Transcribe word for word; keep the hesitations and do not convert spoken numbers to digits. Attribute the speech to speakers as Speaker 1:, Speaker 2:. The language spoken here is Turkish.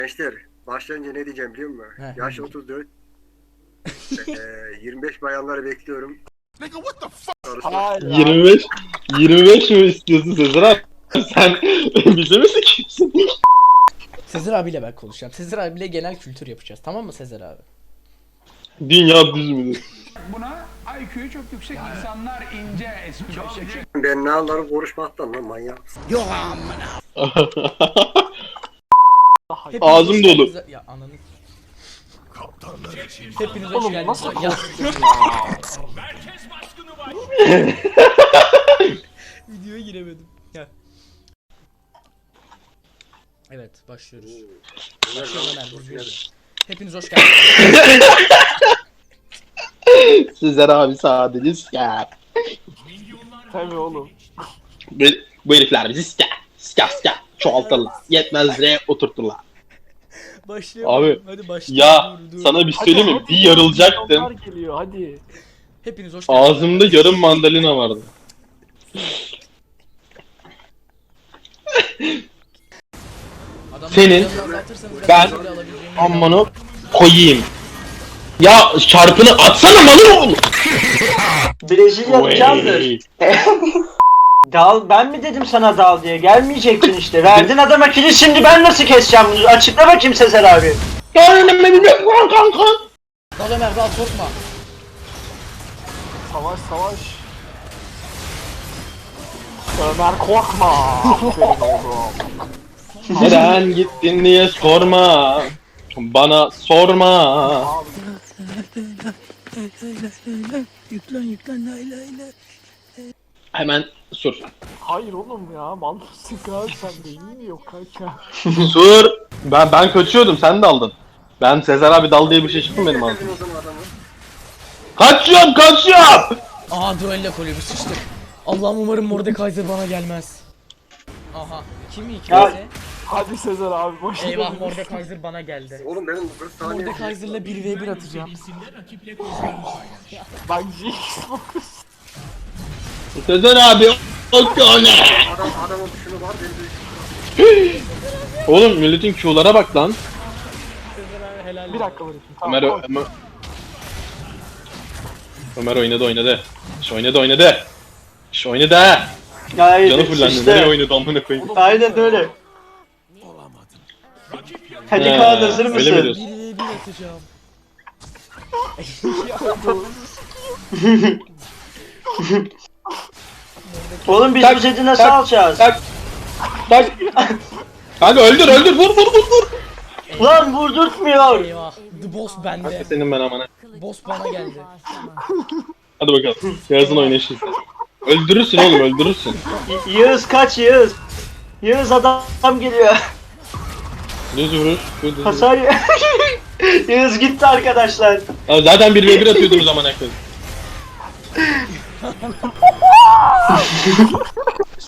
Speaker 1: Gençler, başlayınca ne diyeceğim biliyor musun?
Speaker 2: Heh,
Speaker 1: Yaş
Speaker 2: ne
Speaker 1: otuz dört. eee yirmi beş bayanları bekliyorum.
Speaker 3: Hayır.
Speaker 4: yirmi beş yirmi beş mi istiyorsun Sezer abi? Sen bize mi sikiyorsun?
Speaker 2: Sezer abiyle ben konuşacağım. Sezer abiyle genel kültür yapacağız. Tamam mı Sezer abi?
Speaker 4: Dünya düz mü?
Speaker 5: Buna I Q'yu çok yüksek insanlar ince espri çekiyor.
Speaker 1: Ben ne anlarım konuşmaktan lan manyak.
Speaker 2: Hepiniz
Speaker 4: Ağzım
Speaker 2: hoş
Speaker 4: dolu.
Speaker 2: geldiniz- Ya ananı. Hepiniz hoş
Speaker 3: Oğlum
Speaker 2: geldiniz.
Speaker 3: nasıl
Speaker 2: Ya,
Speaker 3: konuşuyorsun ya?
Speaker 2: videoya giremedim. Ya. Evet, başlıyoruz. Başlıyorum Ömer, düzgün yürü. Hepiniz hoş geldiniz.
Speaker 4: Sezer abi sadece siker.
Speaker 3: Tabii oğlum.
Speaker 4: Bu, bu herifler bizi siker. Siker siker. Çoğaltırlar. Yetmezlere oturturlar.
Speaker 2: Başlayalım.
Speaker 4: Abi,
Speaker 2: Hadi başlayalım.
Speaker 4: Ya
Speaker 2: Dur, dur.
Speaker 4: sana bir şey söyleyeyim mi?
Speaker 3: hadi
Speaker 4: Bir
Speaker 3: ya,
Speaker 4: yarılacaktım.
Speaker 3: milyonlar geliyor hadi.
Speaker 2: Hepiniz hoş geldiniz.
Speaker 4: Ağzımda yarım mandalina vardı.
Speaker 2: Adamları
Speaker 4: Senin,
Speaker 2: biraz azaltırsanız
Speaker 4: ben,
Speaker 2: ben böyle alabileceğimi
Speaker 4: Amanı koyayım. Ya çarpını atsana malın oğlum.
Speaker 6: Brezilya candır. Dal, ben mi dedim sana dal diye? Gelmeyecektin işte. Verdin adama kili, şimdi ben nasıl keseceğim bunu? Açıkla bakayım Sezer abi.
Speaker 4: Kanka.
Speaker 2: Dal Ömer, dal, korkma.
Speaker 3: Savaş savaş. Ömer korkma. Aferin oğlum.
Speaker 4: Neden gittin diye sorma. Bana sorma.
Speaker 2: Yüklen yüklen lay lay lay.
Speaker 4: Hemen sur.
Speaker 3: Hayır oğlum ya, mal mısın kanka, sen beyin mi yok kanka?
Speaker 4: Sur. Ben ben kaçıyordum, sen de aldın. Ben Sezer abi dal diye bir şey çıktı benim ağzımdan.
Speaker 1: O zaman adamı.
Speaker 4: Kaçıyorum kaçıyorum.
Speaker 2: Aha duello kulübü sıçtık. Allah'ım umarım Mordekaiser bana gelmez. Aha. Kim iyi
Speaker 6: Ya-
Speaker 2: kimse?
Speaker 3: Hadi Sezer abi boş ver.
Speaker 2: Eyvah Mordekaiser bana geldi.
Speaker 1: Oğlum benim kırk saniye.
Speaker 2: Mordekaiser'la bir ve bir atacağım.
Speaker 3: Bak Jinx fokus.
Speaker 4: Sezer abi o tane.
Speaker 1: Adam adamın şunu var benim de.
Speaker 4: Oğlum milletin Q'lara bak lan.
Speaker 2: Helal.
Speaker 3: Bir dakika bırakayım. Tamam.
Speaker 4: Ömer,
Speaker 3: koy.
Speaker 4: Ömer, Ömer oynadı oynadı. İş oynadı oynadı. İş oynadı ha.
Speaker 6: Hayır,
Speaker 4: Canı fullendi. Nereye
Speaker 6: işte.
Speaker 4: oynadı amına koyayım.
Speaker 6: Aynen öyle. Hadi
Speaker 4: He,
Speaker 6: Kaan, hazır
Speaker 4: öyle mi
Speaker 6: mısın?
Speaker 4: diyorsun?
Speaker 2: bir ve bir atacağım.
Speaker 6: Oğlum biz
Speaker 4: Tak,
Speaker 6: bu seti nasıl
Speaker 4: tak,
Speaker 6: alacağız?
Speaker 4: Tak. Tak. Kanka öldür öldür vur vur vur vur.
Speaker 6: Ulan vurdurtmuyor.
Speaker 2: Eyvah. The boss
Speaker 4: Kanka
Speaker 2: bende.
Speaker 4: senin ben amana.
Speaker 2: Boss bana geldi.
Speaker 4: Hadi bakalım. Yarısını oynayışın. Öldürürsün oğlum öldürürsün.
Speaker 6: Y- Yağız kaç Yağız. Yağız adam geliyor.
Speaker 4: Düz vuruş. Düz vuruş.
Speaker 6: Hasar y- Yağız gitti arkadaşlar.
Speaker 4: Abi zaten bir ve bir atıyordunuz amına koyayım.